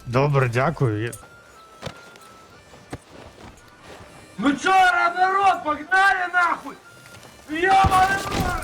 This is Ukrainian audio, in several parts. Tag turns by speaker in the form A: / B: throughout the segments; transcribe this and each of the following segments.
A: Добре, дякую.
B: Ну чё, народ, погнали нахуй! Ёбаный рот!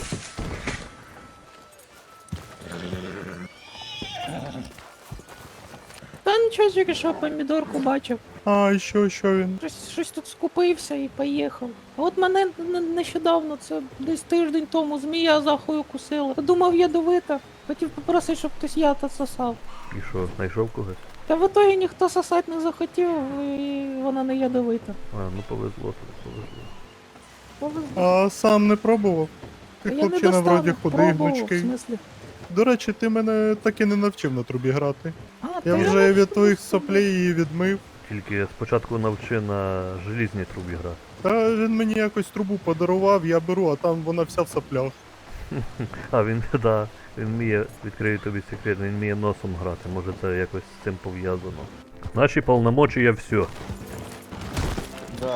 C: Та нічого, тільки що помідорку бачив.
D: А, і що він?
C: Щось тут скупився і поїхав. А от мене нещодавно, це десь тиждень тому, змія захою кусила. Думав, ядовита. Хотів попросити, щоб хтось яд сосав.
E: І що, знайшов когось?
C: Та в итогі ніхто сосати не захотів, і вона не ядовита.
E: А, ну повезло тобі, повезло.
C: Повезло.
D: А сам не пробував? Ти
C: Я не
D: хлопчина
C: достану.
D: вроді худий,
C: Пробував, в
D: гнучкий.
C: смислі.
D: До речі, ти мене так і не навчив на трубі грати.
C: А,
D: Я
C: та
D: вже від
C: не
D: твоїх
C: знаю.
D: соплей її відмив.
E: Тільки спочатку навчи на желізній трубі грати.
D: Та він мені якось трубу подарував, я беру, а там вона вся в соплях.
E: А, він, да, він вміє, відкрию тобі секрет, він вміє носом грати, може це якось з цим пов'язано. Наші повномочия все.
F: Да.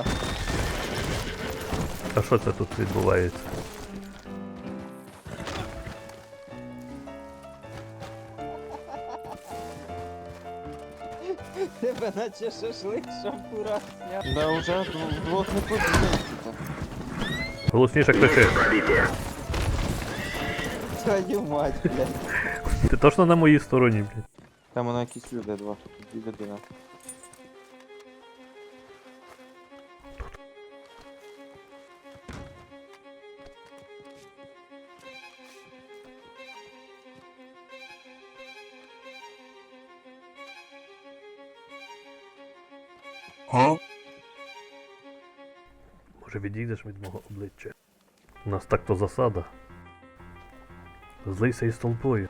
E: А що це тут відбувається?
F: Тебе наче шашлик шампура сняв. Да уже вдвох не подивимося.
E: Голосніше кричи.
F: Твою мать, блядь.
E: Ти точно на моїй стороні, блядь.
F: Там воно якісь люди, два. Дві людини.
E: Може відійдеш від мого обличчя? У нас так-то засада. Злийся із толпою.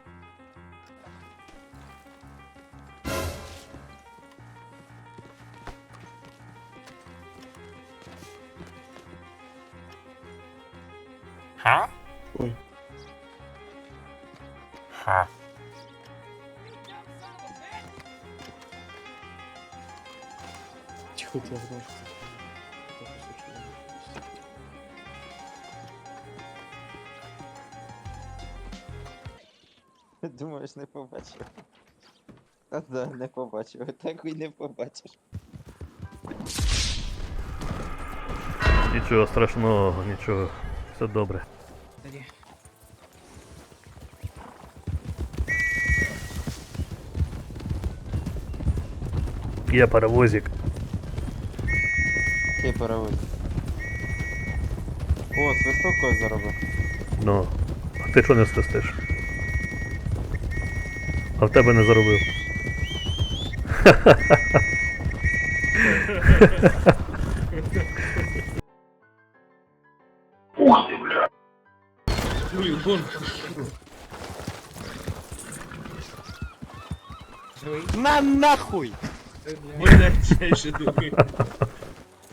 A: Ха?
D: Ой.
A: Ха.
D: Тихо, ти знаєш.
F: Думаєш, не побачив. Та да, не побачив. Так і не побачиш.
E: Нічого страшного, нічого. Все добре. Я паровозик.
F: Який паровоз? О, свисток когось заробив.
E: Ну, а ти що не свистиш? А в тебе не заробив.
B: На нахуй! Блядь, я еще думаю.